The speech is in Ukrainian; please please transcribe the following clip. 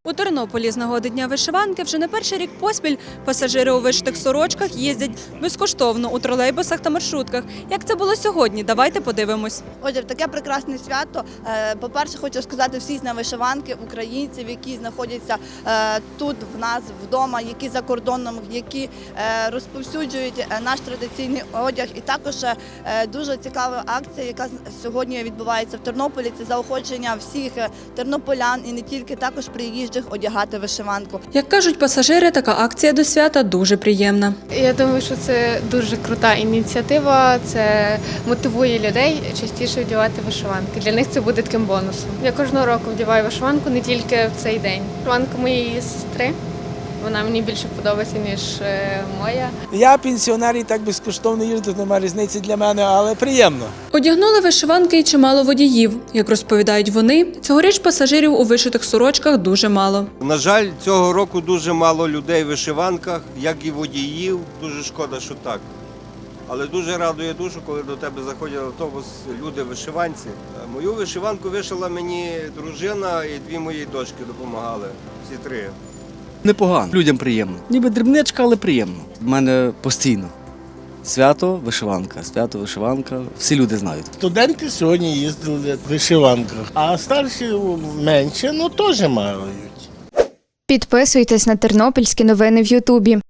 У Тернополі з нагоди Дня вишиванки вже не перший рік поспіль пасажири у вишитих сорочках їздять безкоштовно у тролейбусах та маршрутках. Як це було сьогодні? Давайте подивимось. Отже, в таке прекрасне свято, по-перше, хочу сказати всіх на вишиванки, українців, які знаходяться тут в нас вдома, які за кордоном, які розповсюджують наш традиційний одяг. І також дуже цікава акція, яка сьогодні відбувається в Тернополі. Це заохочення всіх тернополян і не тільки, також приїжджих одягати вишиванку. Як кажуть пасажири, така акція до свята дуже приємна. Я думаю, що це дуже крута ініціатива, це мотивує людей частіше вдягати вишиванки. Для них це буде таким бонусом. Я кожного року вдягаю вишиванку, не тільки в цей день. Вишиванка моєї сестри, вона мені більше подобається, ніж моя. Я пенсіонер і так безкоштовно їжджу, немає різниці для мене, але приємно. Одягнули вишиванки й чимало водіїв. Як розповідають вони, цьогоріч пасажирів у вишитих сорочках дуже мало. На жаль, цього року дуже мало людей в вишиванках, як і водіїв. Дуже шкода, що так. Але дуже радує душу, коли до тебе заходять в автобус люди в вишиванці. Мою вишиванку вишила мені дружина і дві мої дочки допомагали, всі три. Непогано, людям приємно. Ніби дрібничка, але приємно. У мене постійно. Свято, вишиванка, всі люди знають. Студенти сьогодні їздили в вишиванках, а старші менше, теж мають. Підписуйтесь на тернопільські новини в Ютубі.